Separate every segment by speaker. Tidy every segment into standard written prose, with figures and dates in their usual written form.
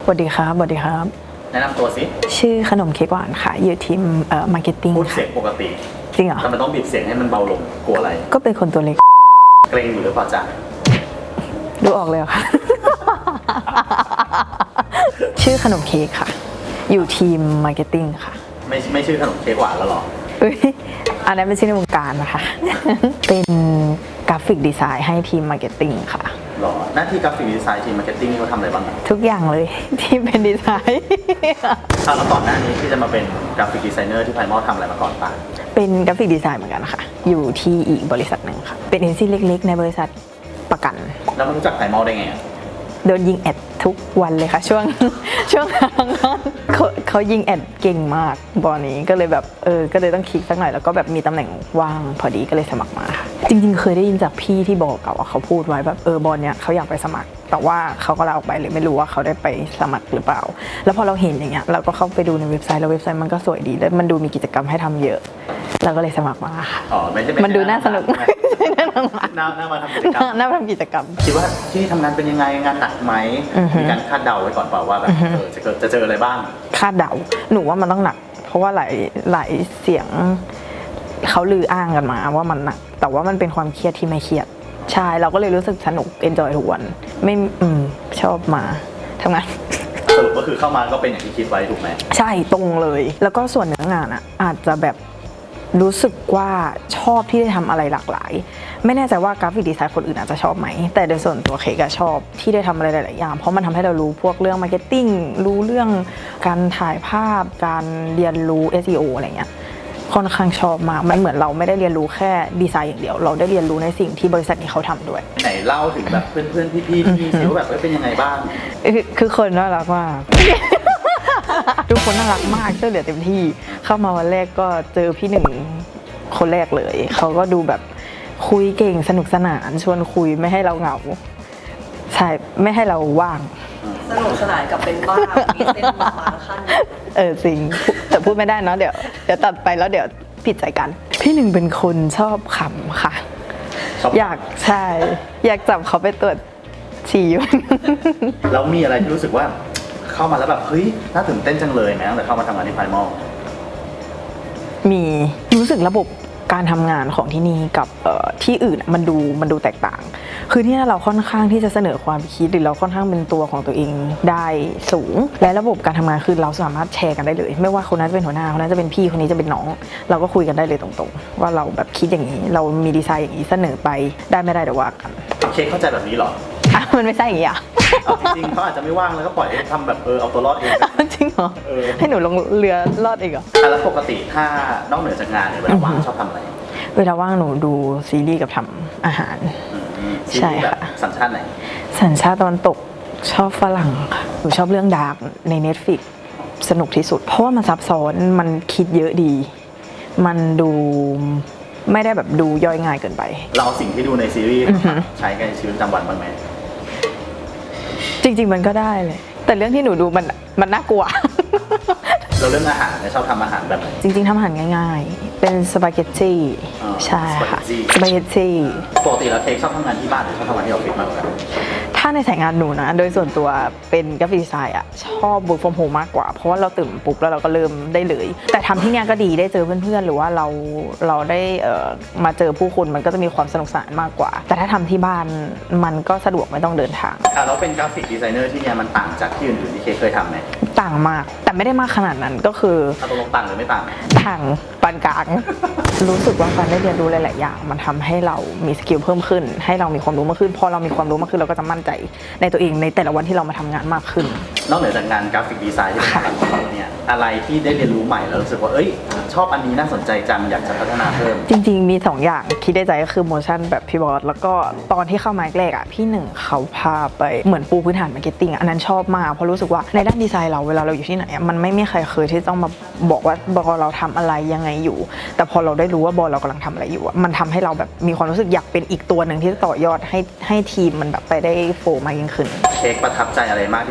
Speaker 1: วัสดีครับสวัสดีครับ
Speaker 2: แนะนำตัวสิ
Speaker 1: ชื่อขนมเค้กหวานค่ะอยู่ทีมมาร์เก็ตติ้ง
Speaker 2: พูดเสียงปกติ
Speaker 1: จริงเหรอ
Speaker 2: แต่มันต้องบีบเสียงให้มันเบาลงกลัวอะไร
Speaker 1: ก็เป็นคนตัวเล็ก
Speaker 2: เกรงอยู่หรือเปล่าจ๊ะ
Speaker 1: ดูออกเลยค่ะ ชื่อขนมเค้กค่ะอยู่ทีมมาร์เก็ตติ้งค่ะ
Speaker 2: ไม่ชื่อขนมเค้กหวานแล้วหรอ
Speaker 1: อันนั้นเป็นชื่อในวงการนะคะ เป็นกราฟิกดีไซน์ให้ทีมมาร์เก็ตติ้งค่ะ
Speaker 2: หรอหน้าที่กราฟิกดีไซน์ทีมมาร์เก็ตติ้งเขาทำอะไรบ้าง
Speaker 1: ทุกอย่างเลยที่เป็นดีไซน์
Speaker 2: แล้วก่อนหน้านี้ที่จะมาเป็นกราฟิกดีไซเนอร์ที่ไพมอลทำอะไรมาก่อนป่ะ
Speaker 1: เป็นกราฟิกดีไซน์เหมือนกันค่ะอยู่ที่อีกบริษัทหนึ่งค่ะเป็นเอ็นซีเล็กๆในบริษัทประกัน
Speaker 2: แล้วมารู้จักไพมอลได้ไง
Speaker 1: โดนยิงแอดทุกวันเลยค่ะช่วงเขายิงแอดเก่งมากบอลนี้ก็เลยแบบก็เลยต้องคลิกสักหน่อยแล้วก็แบบมีตำแหน่งว่างพอดีก็เลยสมัครมาค่ะจริงๆเคยได้ยินจากพี่ที่บอกเก่าว่าเขาพูดไว้แบบบอลเนี้ยเขาอยากไปสมัครแต่ว่าเขาก็ลาออกไปเลยไม่รู้ว่าเขาได้ไปสมัครหรือเปล่าแล้วพอเราเห็นอย่างเงี้ยเราก็เข้าไปดูในเว็บไซต์แล้วเว็บไซต์มันก็สวยดีแล้วมันดูมีกิจกรรมให้ทำเยอะเราก็เลยสมัครมาค่ะ
Speaker 2: ไม่ใช่
Speaker 1: มันดูน่าสนุก
Speaker 2: น่ามาทำกิจกรรม
Speaker 1: น่าทำกิจกรรม
Speaker 2: คิดว่าที่ทำงานเป็นยังไงงานหนักไหมมีการคาดเดาไว้ก่อนเปล่าว่าแบบจะเจออะไรบ้าง
Speaker 1: คาดเดาหนูว่ามันต้องหนักเพราะว่าหลายเสียงเขาลืออ้างกันมาว่ามันหนักแต่ว่ามันเป็นความเครียดที่ไม่เครียดใช่เราก็เลยรู้สึกสนุกเอนจอยทุกวันไม่ชอบมาทำงาน
Speaker 2: สรุปก็คือเข้ามาก็เป็นอย่างที่คิดไว้ถูกไหม
Speaker 1: ใช่ตรงเลยแล้วก็ส่วนเนื้องานอ่ะอาจจะแบบรู้สึกว่าชอบที่ได้ทำอะไรหลากหลายไม่แน่ใจว่ากราฟิกดีไซน์คนอื่นอาจจะชอบไหมแต่โดยส่วนตัวเค้กชอบที่ได้ทำอะไรหลายๆอย่างเพราะมันทำให้เรารู้พวกเรื่องมาร์เก็ตติ้งรู้เรื่องการถ่ายภาพการเรียนรู้ SEO อะไรเงี้ยค่อนข้างชอบมากมันเหมือนเราไม่ได้เรียนรู้แค่ดีไซน์อย่างเดียวเราได้เรียนรู้ในสิ่งที่บริษัทนี้เขาทำด้วย
Speaker 2: ไหนเล่าถึงแบบเพื่อนๆพี่ๆที่ซิลแบบเป็นยังไงบ้าง
Speaker 1: คือคนน่ารักมากทุกคนน่ารักมากช่วยเหลือเต็มที่เข้ามาวันแรกก็เจอพี่หนึ่งคนแรกเลยเขาก็ดูแบบคุยเก่งสนุกสนานชวนคุยไม่ให้เราเหงาใช่ไม่ให้เราว่าง
Speaker 3: สนุกสนานกับเป็นบ้ามีเส้นบางขั้น
Speaker 1: จริงแต่พูดไม่ได้เนาะเดี๋ยวตัดไปแล้วเดี๋ยวผิดใจกันพี่หนึ่งเป็นคนชอบขำค่ะอยากจับเขาไปตรวจฉี่
Speaker 2: แล้วมีอะไรที่รู้สึกว่าเข้ามาแล้วแบบเฮ้ยน่าตื่นเต้นจังเลยไหมตั้งแต่เข้ามาทำงานที่ไพมอล
Speaker 1: มีรู้สึกระบบการทำงานของที่นี่กับที่อื่นมันดูแตกต่างคือที่นี่เราค่อนข้างที่จะเสนอความคิดหรือเราค่อนข้างเป็นตัวของตัวเองได้สูงและระบบการทำงานคือเราสามารถแชร์กันได้เลยไม่ว่าคนนั้นจะเป็นหัวหน้าคนนั้นจะเป็นพี่คนนี้จะเป็นน้องเราก็คุยกันได้เลยตรงๆว่าเราแบบคิดอย่างนี้เรามีดีไซน์อย่างนี้เสนอไปได้ไม่ได้เดี๋ยวว่ากัน
Speaker 2: เค้กเข้าใจแบบนี้หรอ
Speaker 1: มันไม่ใช่อย่างนี้อ่ะ
Speaker 2: จริงๆเขาอาจจะไม่ว่างแล้วก็ปล่อยให้ทำแบบเอาตัวรอดเอง
Speaker 1: จริงเหรอให้หนูลงเรือรอดเองเหรอ
Speaker 2: แล้วปกติถ้านอกเหนือจากงานเนี่ยเวลาว่างชอบทำอะไร
Speaker 1: เวลาว่างหนูดูซีรีส์กับทำอาหาร
Speaker 2: ใช่ค่ะสัญชาติไหน
Speaker 1: สัญชาติตะวันตกชอบฝรั่งค่ะหนูชอบเรื่องดาร์กใน Netflix สนุกที่สุดเพราะว่ามันซับซ้อนมันคิดเยอะดีมันดูไม่ได้แบบดูย่อยง่ายเกินไป
Speaker 2: เราสิ่งที่ดูในซีรีส์ใช้ในชีวิตประจำวันบ้างไหม
Speaker 1: จริงๆมันก็ได้เลยแต่เรื่องที่หนูดูมันน่ากลัว
Speaker 2: เราเรื่องอาหารชอบทำอาหารแบบไหน
Speaker 1: จริงๆทำอาหารง่ายๆเป็นสปาเกตตี้ใช่ค่ะสปาเกตตี้
Speaker 2: ปกติแล้วเค้กชอบทำงานที่บ้านหรือชอบทำงานที่ออฟฟิศมากกว่ากัน
Speaker 1: ถ้าในสายงานหนูนะโดยส่วนตัวเป็นกราฟิกดีไซน์ชอบ work from home มากกว่าเพราะว่าเราตื่นปุ๊บแล้วเราก็เริ่มได้เลยแต่ทำที่นี่ก็ดีได้เจอเพื่อนๆหรือว่าเราได้มาเจอผู้คนมันก็จะมีความสนุกสนานมากกว่าแต่ถ้าทำที่บ้านมันก็สะดวกไม่ต้องเดินทาง
Speaker 2: แล้วเป็นกราฟิกดีไซเนอร์ที่นี่มันต่างจากที่อื่นๆที่เคยทำไหม
Speaker 1: ต่างมากแต่ไม่ได้มากขนาดนั้นก็คือ
Speaker 2: ตกลงต่างหรือไม่ต่าง
Speaker 1: ปานกลางรู้สึกว่าการได้เรียนรู้หลายๆอย่างมันทำให้เรามีสกิลเพิ่มขึ้นให้เรามีความรู้มากขึ้นพอเรามีความรู้มากขึ้นเราก็จะมั่นใจในตัวเองในแต่ละวันที่เรามาทำงานมากขึ้น
Speaker 2: นอกเหนือจากงานกราฟิกดีไซน์ที่เป็นของเราเนี่ยอะไรที่ได้เรียนรู้ใหม่แล้วรู้สึกว่าชอบอันนี้น่าสนใจจังอยากจะพัฒนาเพิ่ม
Speaker 1: จริงๆมี2อย่างคิดได้ใจก็คือโมชั่นแบบพี่บอสแล้วก็ตอนที่เข้ามาแรกพี่หนึ่งเขาพาไปเหมือนปูพื้นฐานมาร์เก็ตติ้งอันนั้นชอบมากเพราะรู้สึกว่าในด้านดีไซน์เราเวลาเราอยู่ที่ไหนมันไม่มีใครเคยที่ต้องมาบอกว่าบอเราทำอะไรยังไงอยู่แต่พอเราได้รู้ว่าบอเรากำลังทำอะไรอยู่มันทำให้เราแบบมีความรู้สึกอยากเป็นอีกตัวหนึ่งที่จะต่อยอดให้ทีมมันแบบไปได้โฟล์มากยิ่งขึ้น
Speaker 2: เค้กประทับใจอะไรมากที่สุด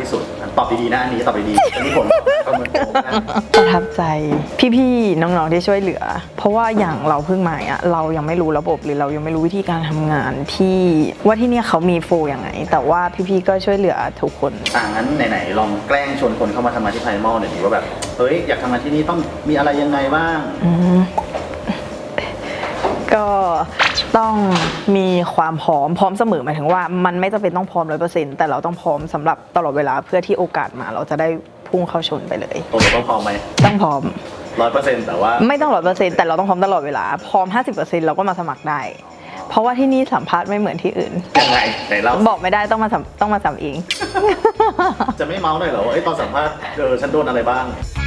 Speaker 2: ตอบดีๆนะอันนี้ตอบดีๆอันนี้ผมประเมินตัวนะ
Speaker 1: ประทับใจพี่ๆน้องๆที่ช่วยเหลือ เพราะว่าอย่างเราเพิ่งมาอ่ะเรายังไม่รู้ระบบหรือเรายังไม่รู้วิธีการทำงานที่ว่าที่เนี่ยเขามีโฟลยังไง แต่ว่าพี่ๆก็ช่วยเหลือทุกคน
Speaker 2: งั้นไหนๆลองแกล้งชวนคนเข้ามาทำงานที่ไพรมอลหน่อยดิว่าแบบเฮ้ยอยากทำงานที่นี่ต้องมีอะไรยังไงบ้าง
Speaker 1: ก็ต้องมีความพร้อมเสมอหมายถึงว่ามันไม่จำเป็นต้องพร้อม100%แต่เราต้องพร้อมสำหรับตลอดเวลาเพื่อที่โอกาสมาเราจะได้พุ่งเข้าชนไปเลย
Speaker 2: ตัวเราต้องพร้อมไหม
Speaker 1: ต้องพร้อม
Speaker 2: 100%แต่ว่า
Speaker 1: ไม่ต้อง100%แต่เราต้องพร้อมตลอดเวลาพร้อม 50%เราก็มาสมัครได้ เพราะว่าที่นี่สัมภาษณ์ไม่เหมือนที่อื่น
Speaker 2: ยังไงไหนเรา
Speaker 1: บอกไม่ได้ต้องมาสัมเอง
Speaker 2: จะไม่เมาส์หน่อยเหรอว่าตอนสัมภาษณ์ฉันโดนอะไรบ้าง